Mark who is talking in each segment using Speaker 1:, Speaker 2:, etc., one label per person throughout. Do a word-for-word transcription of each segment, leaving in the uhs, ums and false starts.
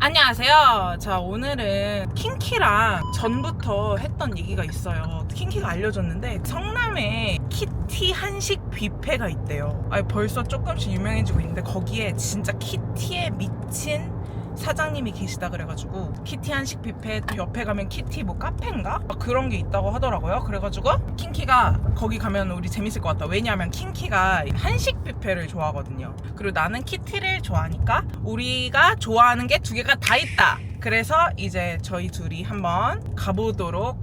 Speaker 1: 안녕하세요. 자, 오늘은 킹키랑 전부터 했던 얘기가 있어요. 킹키가 알려줬는데 성남에 키티 한식 뷔페가 있대요. 아니, 벌써 조금씩 유명해지고 있는데 거기에 진짜 키티에 미친 사장님이 계시다 그래가지고 키티 한식 뷔페 또 옆에 가면 키티 뭐 카페인가? 그런 게 있다고 하더라고요. 그래가지고 킹키가 거기 가면 우리 재밌을 것 같다. 왜냐하면 킹키가 한식 뷔페를 좋아하거든요. 그리고 나는 키티를 좋아하니까 우리가 좋아하는 게 두 개가 다 있다. 그래서 이제 저희 둘이 한번 가보도록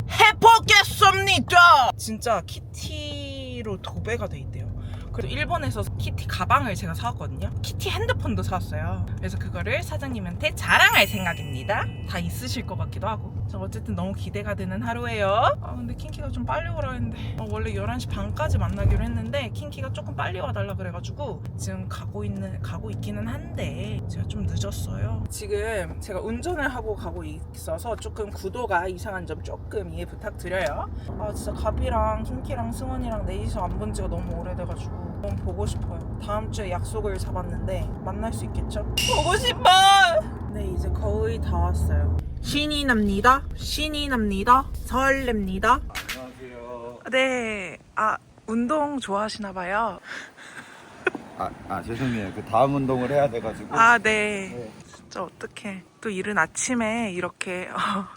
Speaker 1: 해보겠습니다. 진짜 키티로 도배가 돼 있대요. 그리고 일본에서 키티 가방을 제가 사왔거든요. 키티 핸드폰도 사왔어요. 그래서 그거를 사장님한테 자랑할 생각입니다. 다 있으실 것 같기도 하고. 저 어쨌든 너무 기대가 되는 하루예요. 아 근데 킹키가 좀 빨리 오라 했는데 어, 원래 열한 시 반까지 만나기로 했는데 킹키가 조금 빨리 와달라 그래가지고 지금 가고 있는 가고 있기는 한데 제가 좀 늦었어요. 지금 제가 운전을 하고 가고 있어서 조금 구도가 이상한 점 조금 이해 부탁드려요. 아 진짜 가비랑 킹키랑 승원이랑 넷이서 안 본 지가 너무 오래돼가지고 너무 보고 싶어요. 다음 주에 약속을 잡았는데 만날 수 있겠죠? 보고 싶어! 네, 이제 거의 다 왔어요. 신이 납니다. 신이 납니다. 설렙니다.
Speaker 2: 안녕하세요.
Speaker 1: 네, 아 운동 좋아하시나 봐요.
Speaker 2: 아, 아 죄송해요. 그 다음 운동을 해야 돼가지고.
Speaker 1: 아, 네.
Speaker 2: 네.
Speaker 1: 진짜 어떡해. 또 이른 아침에 이렇게.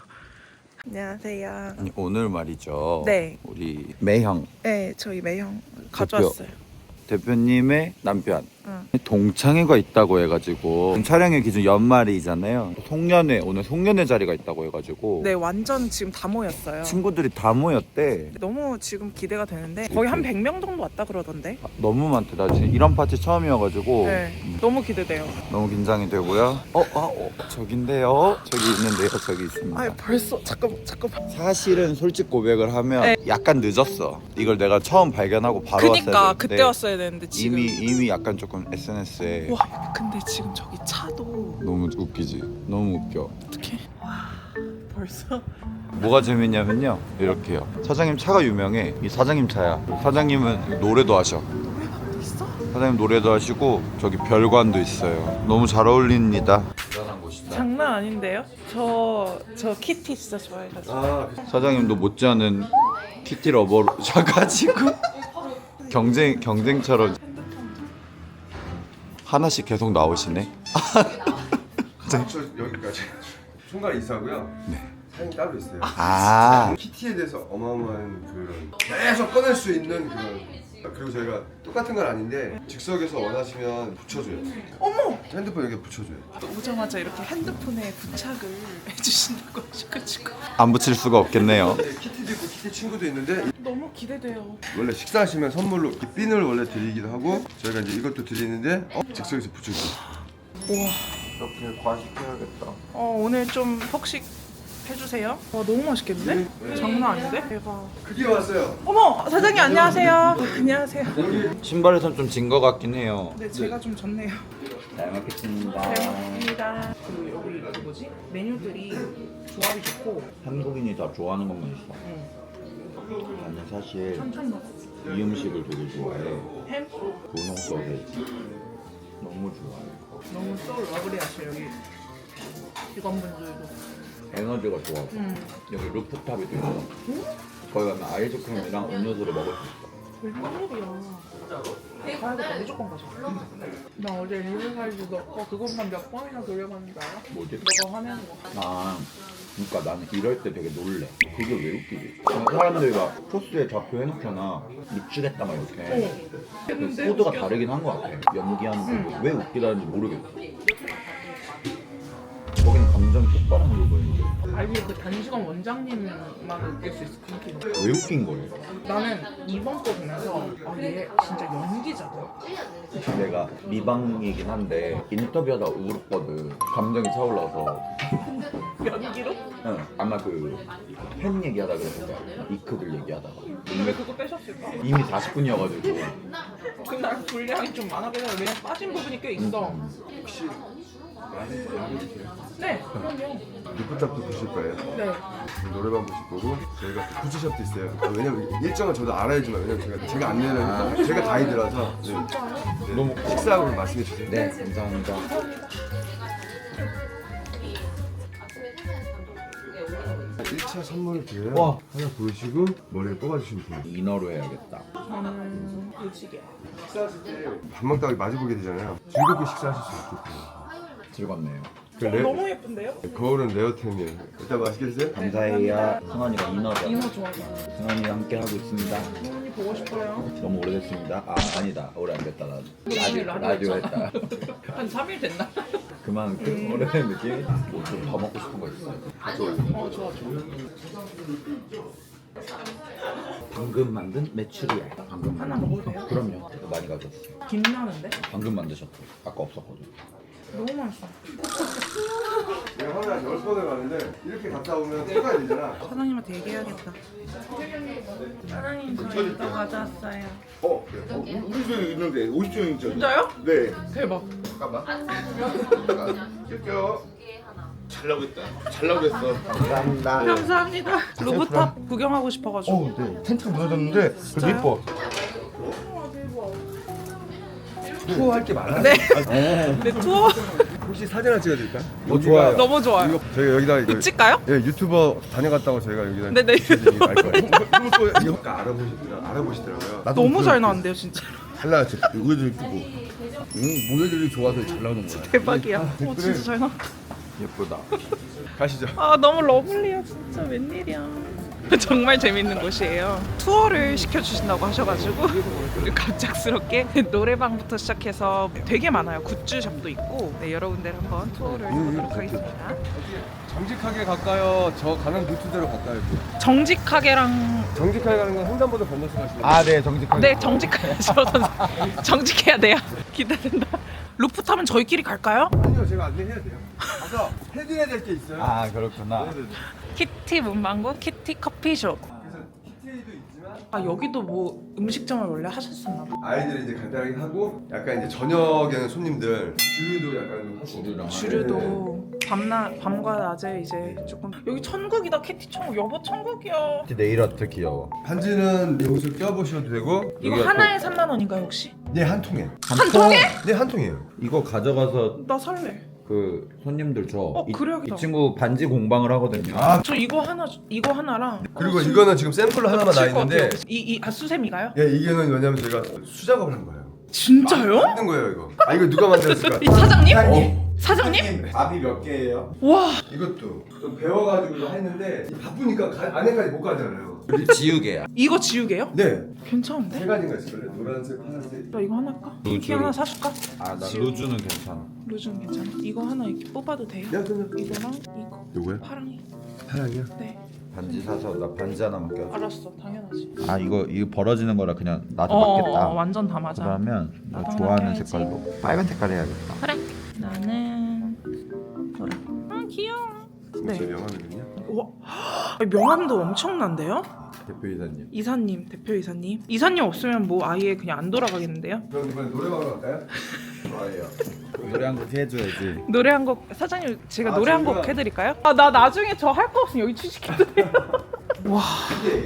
Speaker 1: 안녕하세요.
Speaker 2: 아니, 오늘 말이죠.
Speaker 1: 네.
Speaker 2: 우리 매형
Speaker 1: 네, 저희 매형 가져왔어요.
Speaker 2: 대표님의 남편
Speaker 1: 응.
Speaker 2: 동창회가 있다고 해가지고 촬영의 기준 연말이잖아요. 송년회 오늘 송년회 자리가 있다고 해가지고
Speaker 1: 네, 완전 지금 다 모였어요.
Speaker 2: 친구들이 다 모였대.
Speaker 1: 너무 지금 기대가 되는데 거의 한 백 명 정도 왔다 그러던데.
Speaker 2: 아, 너무 많대. 나 지금 이런 파티 처음이어가지고
Speaker 1: 네,
Speaker 2: 음,
Speaker 1: 너무 기대돼요.
Speaker 2: 너무 긴장이 되고요. 어, 아, 어, 저긴데요. 저기 있는데요. 저기 있습니다.
Speaker 1: 아, 벌써 잠깐만, 잠깐만.
Speaker 2: 사실은 솔직 고백을 하면
Speaker 1: 네.
Speaker 2: 약간 늦었어. 이걸 내가 처음 발견하고 바로
Speaker 1: 그니까
Speaker 2: 왔어야
Speaker 1: 그때
Speaker 2: 되는데
Speaker 1: 왔어야 되는데 지금.
Speaker 2: 이미 이미 약간 조금 에스엔에스에
Speaker 1: 와, 근데 지금 저기 차도
Speaker 2: 너무 웃기지. 너무 웃겨.
Speaker 1: 어떡해. 와, 벌써.
Speaker 2: 뭐가 재밌냐면요. 이렇게요. 사장님 차가 유명해. 이 사장님 차야. 사장님은 노래도 하셔.
Speaker 1: 노래방도 있어?
Speaker 2: 사장님 노래도 하시고 저기 별관도 있어요. 너무 잘 어울립니다. 대단한 곳이다.
Speaker 1: 장난 아닌데요? 저, 저 키티 진짜 좋아해가지고.
Speaker 2: 아, 사장님도 못지않은 키티 러버로 사가지고 경쟁 경쟁처럼 하나씩 계속 나오시네.
Speaker 3: 저 여기까지 총괄 이사고요.
Speaker 2: 네.
Speaker 3: 사장님 따로 있어요.
Speaker 2: 아,
Speaker 3: 키티에 대해서 어마어마한 그런 계속 꺼낼 수 있는 그런, 그리고 저희가 똑같은 건 아닌데 즉석에서 원하시면 붙여줘요.
Speaker 1: 어머!
Speaker 3: 핸드폰 여기 붙여줘요.
Speaker 1: 또 오자마자 이렇게 핸드폰에 부착을 해주신다고 하셔가지고
Speaker 2: 안 붙일 수가 없겠네요.
Speaker 3: 근데 키티도 있고 키티 친구도 있는데
Speaker 1: 너무 기대돼요.
Speaker 3: 원래 식사하시면 선물로 이 핀을 원래 드리기도 하고 저희가 이제 이것도 드리는데 어? 즉석에서 붙여줘요.
Speaker 1: 우와.
Speaker 2: 이렇게 과식해야겠다.
Speaker 1: 어, 오늘 좀 폭식 해주세요. 와, 너무 맛있겠는데?
Speaker 3: 네.
Speaker 1: 장난 아닌데? 대박.
Speaker 3: 그게 왔어요.
Speaker 1: 어머! 사장님 안녕하세요. 안녕하세요.
Speaker 2: 신발에선 좀 진 것 같긴 해요.
Speaker 1: 네, 제가 좀 졌네요.
Speaker 2: 잘 먹겠습니다.
Speaker 1: 잘 먹습니다. 그리고 여기 그 뭐지? 메뉴들이 조합이 좋고
Speaker 2: 한국인이 다 좋아하는 것만 있어.
Speaker 1: 응.
Speaker 2: 나는 사실
Speaker 1: 천천 먹어.
Speaker 2: 이 음식을 되게 좋아해.
Speaker 1: 햄?
Speaker 2: 분홍 소세지 너무 좋아해.
Speaker 1: 너무 소울 러블리하셔 여기 직원분들도.
Speaker 2: 에너지가 좋아.
Speaker 1: 음.
Speaker 2: 여기 루프탑이 또 있어. 거기 가면 아이스크림이랑 음료수를 먹을 수 있어.
Speaker 1: 웬일이야. 가야겠다. 무조건 가자. 나 어제 리얼사이즈 너 그것만 몇 번이나 돌려봤는지 알아?
Speaker 2: 뭐지?
Speaker 1: 너가 화내는 거.
Speaker 2: 아, 그러니까 나는 이럴 때 되게 놀래. 그게 왜 웃기지? 그냥 사람들이 막 포스에 좌표 해놓잖아. 미치겠다 막 이렇게. 그 코드가 다르긴 한 것 같아. 연기하는 거. 왜 웃기다는지 모르겠어. 거기는 감정이 똑바로 보이는데
Speaker 1: 아니 그 단식원 원장님만 느낄 수 있어 그렇게.
Speaker 2: 왜 웃긴 거예요?
Speaker 1: 나는 이번 거 보면서 아얘 진짜 연기자다.
Speaker 2: 내가 미방이긴 한데 인터뷰하다 울었거든. 감정이 차올라서.
Speaker 1: 연기로?
Speaker 2: 응. 아마 그 팬 얘기하다 그랬을 거야. 이크들 얘기하다가.
Speaker 1: 왜 그거 빼셨을까?
Speaker 2: 이미 사십 분이어가지고.
Speaker 1: 그날 분량이 좀 많아서 왜냐면 빠진 부분이 꽤 있어.
Speaker 3: 혹시 많이 드세요?
Speaker 1: 네, 그럼요.
Speaker 3: 루프탑도 보실 거예요.
Speaker 1: 네.
Speaker 3: 노래방 보실 거고 저희가 푸드숍도 있어요. 아, 왜냐면 일정은 저도 알아야지만 왜냐면 제가 제가 안내는 제가 가이드라서 네. 네.
Speaker 2: 너무
Speaker 3: 식사하고 말씀해 주세요.
Speaker 2: 네, 감사합니다.
Speaker 3: 차 선물을 드려요.
Speaker 2: 와.
Speaker 3: 하나 보시고 머리에 뽑아주시면 돼요.
Speaker 2: 이너로 해야겠다.
Speaker 1: 저는 무지개.
Speaker 3: 식사하실 때 밥 먹다가 마주보게 되잖아요. 즐겁게 식사하실 수 있게끔.
Speaker 2: 즐겁네요.
Speaker 3: 그 레,
Speaker 1: 너무 예쁜데요?
Speaker 3: 거울은 레어템이에요. 일단 맛있게 드세요.
Speaker 2: 감사해요. 승환이가 이너죠.
Speaker 1: 이거 좋아서.
Speaker 2: 승환이와 함께 하고 있습니다.
Speaker 1: 언니 보고 싶어요.
Speaker 2: 너무 오래됐습니다. 아 아니다. 오래 안 됐다 나도.
Speaker 1: 이미
Speaker 2: 라디오,
Speaker 1: 라디오
Speaker 2: 라디오 했다.
Speaker 1: 한 삼 일 됐나?
Speaker 2: 그만큼 오래된 느낌? 뭐좀더 먹고 싶은 거 있어요?
Speaker 1: 어 좋아 좋아.
Speaker 2: 방금 만든 메추리알. 방금
Speaker 1: 하나
Speaker 2: 만든.
Speaker 1: 먹어도 돼요?
Speaker 2: 그럼요. 제가 많이 가져왔어요.
Speaker 1: 김나는데?
Speaker 2: 방금 만드셨고 아까 없었거든.
Speaker 1: 너무 맛있어.
Speaker 3: 내가 하루에 한 열 번을 가는데 이렇게 갔다 오면 습관이 되잖아.
Speaker 1: 사장님한테 얘기해야겠다. 사장님 저 이거 가져왔어요.
Speaker 4: 어, 네. 어, 우리- 우리 집에 있는데 오십 종이죠.
Speaker 1: 진짜요?
Speaker 4: 네.
Speaker 1: 대박.
Speaker 4: 잠깐만. 잠깐. 낄게요. 잘 나오고 있다. 잘 나오고 있어.
Speaker 2: 감사합니다.
Speaker 1: 감사합니다. 루프탑 구경하고 싶어가지고.
Speaker 4: 어, 네. 텐트가 무너졌는데 그래도 이뻐.
Speaker 3: 투어할 게 많아.
Speaker 1: 네. 네 투어
Speaker 3: 혹시 사진 하나 찍어드릴까?
Speaker 2: 어, 좋아요.
Speaker 1: 너무 좋아요.
Speaker 3: 이거 저희가 여기다 이거
Speaker 1: 찍까요?
Speaker 3: 예 유튜버 다녀갔다고 저희가 여기다
Speaker 1: 네네.
Speaker 3: 찍어드리니까 알 거예요. 그리고 또 이거 아까 알아보시더라 알아보시더라고요.
Speaker 1: 너무 잘 나왔는데요 진짜.
Speaker 4: 잘 나왔지. 의도 이쁘고. 응, 모델들이 좋아서 잘 나오는 거야.
Speaker 1: 대박이야. 어 진짜 잘 나왔다.
Speaker 2: 예쁘다.
Speaker 3: 가시죠.
Speaker 1: 아 너무 러블리야 진짜 웬일이야. 정말 재밌는 곳이에요. 투어를 시켜주신다고 하셔가지고 우리 갑작스럽게 노래방부터 시작해서 되게 많아요. 굿즈샵도 있고 네, 여러 군데를 한번 투어를 해보도록 하겠습니다.
Speaker 3: 정직하게 갈까요? 저 가는 루트대로 갈까요?
Speaker 1: 정직하게랑
Speaker 3: 정직하게 가는 건 횡단보도 건너서 가시면
Speaker 2: 아, 네, 정직하게.
Speaker 1: 네 정직하죠. 정직해야 돼요. 기대된다. 루프탑은 저희끼리 갈까요?
Speaker 3: 아니요 제가 안내해야 돼요. 가서 해드려야 될 게 있어요.
Speaker 2: 아, 그렇구나.
Speaker 1: 키티 문방구 키티 커피숍.
Speaker 3: 그래서 키티도 있지만
Speaker 1: 아 여기도 뭐 음식점을 원래 하셨었나 봐.
Speaker 3: 아이들이 이제 간단하게 하고 약간 이제 저녁에는 손님들 주류도 약간 좀 하고
Speaker 2: 주류랑
Speaker 1: 주류도 밤나 밤과 낮에 이제 조금 여기 천국이다. 키티 천국. 여보 천국이야.
Speaker 2: 네일 아트 귀여워.
Speaker 3: 반지는 여기서 껴보셔도 되고
Speaker 1: 이거
Speaker 2: 여기가
Speaker 1: 하나에 삼만 원인가요 혹시?
Speaker 3: 네 한 통에
Speaker 2: 한 통에?
Speaker 3: 네 한 통이에요.
Speaker 2: 이거 가져가서
Speaker 1: 나 살래.
Speaker 2: 그 손님들 줘.
Speaker 1: 어,
Speaker 2: 이,
Speaker 1: 그래야겠다.
Speaker 2: 이 친구 반지 공방을 하거든요.
Speaker 3: 아
Speaker 1: 저 이거 하나 이거 하나랑
Speaker 3: 그리고 이거는 지금 샘플로 하나만 나 있는데
Speaker 1: 이이 아 수세미가요?
Speaker 3: 예 이게는 왜냐면 제가 수작업을 한 거예요.
Speaker 1: 진짜요?
Speaker 3: 만든 거예요 이거. 아 이거 누가 만들었을까?
Speaker 1: 이 사장님?
Speaker 3: 어.
Speaker 1: 사장님?
Speaker 2: 밥이 몇 개예요?
Speaker 1: 와
Speaker 3: 이것도 좀 배워가지고 했는데 바쁘니까 가, 안에까지 못 가잖아요.
Speaker 2: 우리 지우개야.
Speaker 1: 이거 지우개요?
Speaker 3: 네.
Speaker 1: 괜찮은데?
Speaker 3: 세 가지가 있을걸요. 노란색, 파란색.
Speaker 1: 나 이거 하나 할까?
Speaker 2: 루즈로.
Speaker 1: 키 하나 사줄까?
Speaker 2: 아, 나
Speaker 1: 지우-
Speaker 2: 루즈는 괜찮아.
Speaker 1: 루즈는 괜찮아. 이거 하나 이렇게 뽑아도 돼요?
Speaker 3: 야 그러면
Speaker 1: 이거랑 이거
Speaker 3: 누구야?
Speaker 1: 파랑이.
Speaker 3: 파랑이야?
Speaker 1: 네
Speaker 2: 반지 사서 나 반지 하나만 껴.
Speaker 1: 알았어 당연하지.
Speaker 2: 아, 이거 이거 벌어지는 거라 그냥 나도
Speaker 1: 어,
Speaker 2: 맞겠다.
Speaker 1: 어, 어, 완전 다 맞아.
Speaker 2: 그러면 너
Speaker 1: 나도 하나
Speaker 2: 좋아하는
Speaker 1: 껴야지.
Speaker 2: 색깔로 빨간 색깔 해야겠다.
Speaker 1: 그래. 나는 노랑. 아 귀여워.
Speaker 3: 네. 제
Speaker 1: 네.
Speaker 3: 명함이거든요.
Speaker 1: 와 아니, 명함도 엄청난데요?
Speaker 2: 대표 이사님.
Speaker 1: 이사님 대표 이사님. 이사님 없으면 뭐 아예 그냥 안 돌아가겠는데요?
Speaker 3: 그럼 이번에 노래방으로 갈까요?
Speaker 2: 좋아요. 노래 한 곡 해줘야지.
Speaker 1: 노래 한 곡 사장님 제가
Speaker 3: 아,
Speaker 1: 노래 한 곡
Speaker 3: 저희가-
Speaker 1: 해드릴까요? 아 나 나중에 저 할 거 없으면 여기 취직해도 돼요. 와
Speaker 3: 이게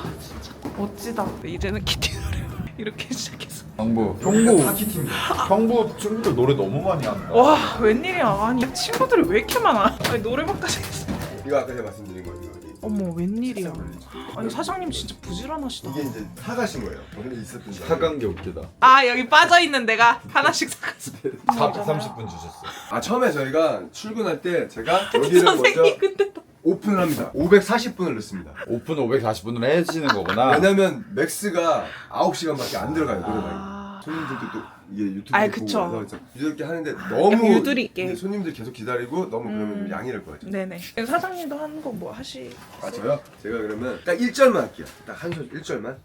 Speaker 1: 멋지다. 이제는 키티 노래 이렇게 시작해서.
Speaker 2: 정부.
Speaker 3: 다
Speaker 2: 형부.
Speaker 3: 키티입니다.
Speaker 2: 형부 친구들 노래 너무 많이 한다.
Speaker 1: 와 웬일이야. 아니 친구들이 왜 이렇게 많아? 아니 노래방까지 했어.
Speaker 3: 이거 아까 제가 말씀드린 거예요. 이거.
Speaker 1: 어머 웬일이야. 아니 사장님 진짜 부지런하시다.
Speaker 3: 이게 이제 사가신 거예요. 원래 있었던 거.
Speaker 2: 사간 게 웃기다.
Speaker 1: 아 여기 빠져 있는 데가 하나씩 사갔어.
Speaker 2: 사백삼십 분 주셨어.
Speaker 3: 아 처음에 저희가 출근할 때 제가 여기를
Speaker 1: 선생님
Speaker 3: 먼저
Speaker 1: 근데 또
Speaker 3: 오픈을 합니다. 오백사십 분을 넣습니다.
Speaker 2: 오픈 오백사십 분으로 해주시는 거구나.
Speaker 3: 왜냐면 맥스가 아홉 시간밖에 안 들어가요 노래방이.
Speaker 1: 아...
Speaker 3: 손님들도 또 이게 유튜브
Speaker 1: 아이,
Speaker 3: 보고
Speaker 1: 그쵸.
Speaker 3: 와서 유들게 하는데 너무
Speaker 1: 유두리 있게.
Speaker 3: 근데 손님들 계속 기다리고 너무 그러면
Speaker 1: 음.
Speaker 3: 좀 양해를 구하죠.
Speaker 1: 네네. 사장님도 하는 거 뭐 하시?
Speaker 3: 아 저요? 제가 그러면 딱 일 절만 할게요. 딱 한 소절 일 절만.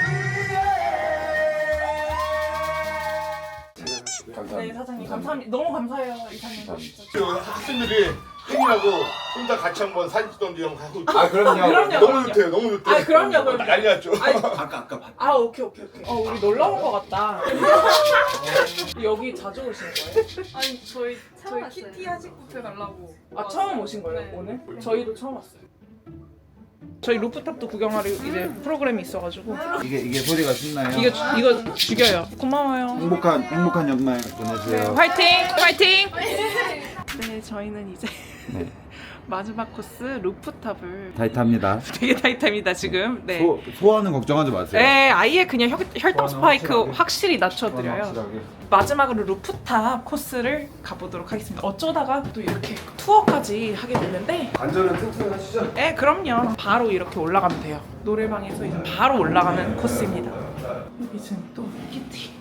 Speaker 1: 네 사장님 감사합니다. 너무 감사해요 이사님.
Speaker 4: 저 학생들이 팬이라고 혼자 같이 한번 사진 찍던지 형 하고 있고.
Speaker 2: 아 그럼요.
Speaker 1: 그럼요.
Speaker 4: 너무 좋대요, 너무 좋대요.
Speaker 1: 아, 그럼요, 그럼요.
Speaker 4: 난리 났죠.
Speaker 1: 아니,
Speaker 2: 아까 아까 봤.
Speaker 1: 아 오케이 오케이 오케이. 어 우리 놀러 온 것 같다. 여기 자주 오시는 거예요?
Speaker 5: 아니 저희 저희 키티 한식 뷔페 가려고.
Speaker 1: 아 처음 오신 거예요
Speaker 5: 네.
Speaker 1: 오늘? 저희도 처음 왔어요. 저희 루프탑도 구경하러 이제 프로그램이 있어가지고
Speaker 2: 이게 이게 소리가 신나요.
Speaker 1: 이거 주- 이거 죽여요. 고마워요.
Speaker 2: 행복한 행복한 연말 보내세요.
Speaker 1: 화이팅! 화이팅! 네 저희는 이제
Speaker 2: 네.
Speaker 1: 마지막 코스 루프탑을
Speaker 2: 타이트합니다.
Speaker 1: 되게 타이트합니다 지금. 네.
Speaker 2: 소 소화는 걱정하지 마세요.
Speaker 1: 네, 아예 그냥 혈, 혈당 스파이크
Speaker 2: 확실하게.
Speaker 1: 확실히 낮춰드려요.
Speaker 2: 확실하게.
Speaker 1: 마지막으로 루프탑 코스를 가보도록 하겠습니다. 어쩌다가 또 이렇게 투어까지 하게 됐는데,
Speaker 3: 안전은 튼튼하시죠?
Speaker 1: 네, 그럼요. 바로 이렇게 올라가면 돼요. 노래방에서 이제 바로 올라가는 코스입니다. 여기 지금 또 키티.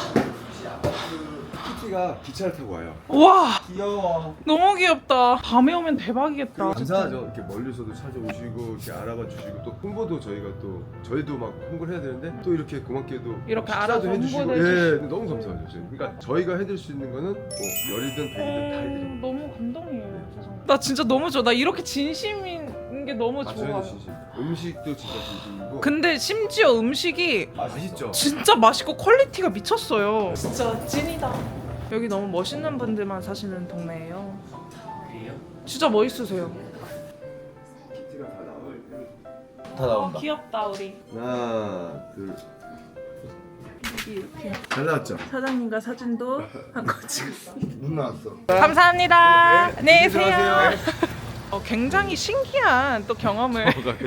Speaker 3: 키티가 기차를 타고 와요.
Speaker 1: 와,
Speaker 2: 귀여워.
Speaker 1: 너무 귀엽다. 밤에 오면 대박이겠다.
Speaker 3: 감사하죠. 이렇게 멀리서도 찾아오시고 이렇게 알아봐 주시고 또 홍보도 저희가 또 저희도 막 홍보를 해야 되는데 또 이렇게 고맙게도
Speaker 1: 이렇게
Speaker 3: 식사도
Speaker 1: 알아서
Speaker 3: 해주시고
Speaker 1: 홍보도
Speaker 3: 예
Speaker 1: 해주시고.
Speaker 3: 너무 감사하죠. 저희. 그러니까 저희가 해드릴 수 있는 거는 뭐 열이든 백이든 다 해드립니다.
Speaker 1: 어, 너무 감동이에요. 세상에. 나 진짜 너무 좋아. 나 이렇게 진심인 게 너무
Speaker 3: 아,
Speaker 1: 좋아.
Speaker 3: 저희는 진심. 음식도 진짜 진심이고
Speaker 1: 근데 심지어 음식이
Speaker 3: 맛있죠.
Speaker 1: 진짜 맛있고 퀄리티가 미쳤어요. 진짜 찐이다. 여기 너무 멋있는 분들만 사시는 동네예요. 진짜 멋있으세요.
Speaker 3: 키티가 다 나와요.
Speaker 2: 다 나온다.
Speaker 1: 귀엽다 우리.
Speaker 3: 하나 둘.
Speaker 1: 여기 이렇게
Speaker 3: 잘 나왔죠?
Speaker 1: 사장님과 사진도 한 거 찍었습니다.
Speaker 4: 눈 나왔어.
Speaker 1: 감사합니다. 안녕히 계세요.
Speaker 3: 들어가세요.
Speaker 1: 어, 굉장히 신기한 또 경험을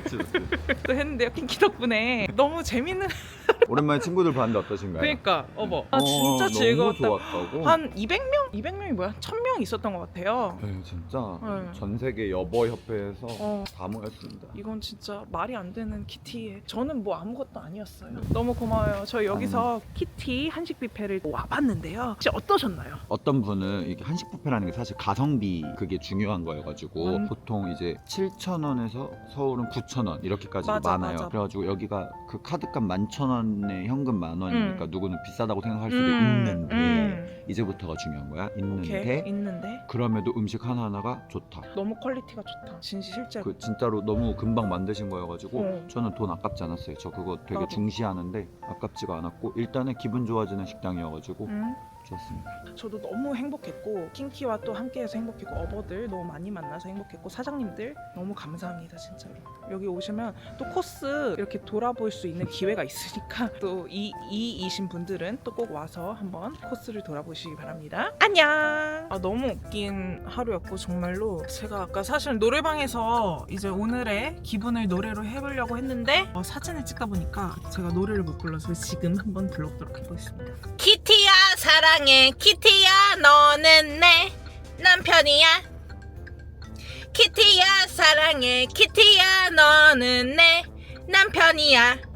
Speaker 1: 또 했는데요. 킹키 덕분에 너무 재밌는.
Speaker 2: 오랜만에 친구들 봤는데 어떠신가요?
Speaker 1: 그러니까 어머. 아
Speaker 2: 어,
Speaker 1: 진짜
Speaker 2: 너무
Speaker 1: 즐거웠다.
Speaker 2: 좋았다고.
Speaker 1: 한 이백 명? 이백 명이 뭐야? 천 명 있었던 것 같아요.
Speaker 2: 네, 진짜
Speaker 1: 네.
Speaker 2: 전 세계 여보 협회에서
Speaker 1: 어.
Speaker 2: 다 모였습니다.
Speaker 1: 이건 진짜 말이 안 되는 키티에 저는 뭐 아무것도 아니었어요. 너무 고마워요. 저희 여기서 키티 한식 뷔페를 와봤는데요. 혹시 어떠셨나요?
Speaker 2: 어떤 분은 이게 한식 뷔페라는 게 사실 가성비 그게 중요한 거여가지고
Speaker 1: 음.
Speaker 2: 보통 이제 칠천 원에서 서울은 구천 원 이렇게까지
Speaker 1: 맞아,
Speaker 2: 많아요.
Speaker 1: 맞아.
Speaker 2: 그래가지고 여기가 그 카드값 만천 원에 현금 만 원이니까
Speaker 1: 음.
Speaker 2: 누구는 비싸다고 생각할 수도
Speaker 1: 음,
Speaker 2: 있는데
Speaker 1: 음.
Speaker 2: 이제부터가 중요한 거야.
Speaker 1: 오케이.
Speaker 2: 있는데
Speaker 1: 있는데
Speaker 2: 그럼에도 음식 하나하나가 좋다.
Speaker 1: 너무 퀄리티가 좋다. 진짜 실제로.
Speaker 2: 그 진짜로 너무 금방 만드신 거여가지고
Speaker 1: 어.
Speaker 2: 저는 돈 아깝지 않았어요. 저 그거 되게
Speaker 1: 나도.
Speaker 2: 중시하는데 아깝지가 않았고 일단은 기분 좋아지는 식당이어가지고
Speaker 1: 음.
Speaker 2: 좋았습니다.
Speaker 1: 저도 너무 행복했고 킹키와 또 함께해서 행복했고 어버들 너무 많이 만나서 행복했고 사장님들 너무 감사합니다 진짜로. 여기 오시면 또 코스 이렇게 돌아볼 수 있는 기회가 있으니까 또 이 이이신 분들은 또 꼭 와서 한번 코스를 돌아보시기 바랍니다. 안녕. 아 너무 웃긴 하루였고 정말로 제가 아까 사실 노래방에서 이제 오늘의 기분을 노래로 해보려고 했는데 어, 사진을 찍다 보니까 제가 노래를 못 불러서 지금 한번 불러보도록 해보겠습니다. 키티야 사랑해 키티야 너는 내 남편이야 키티야 사랑해 키티야 너는 내 남편이야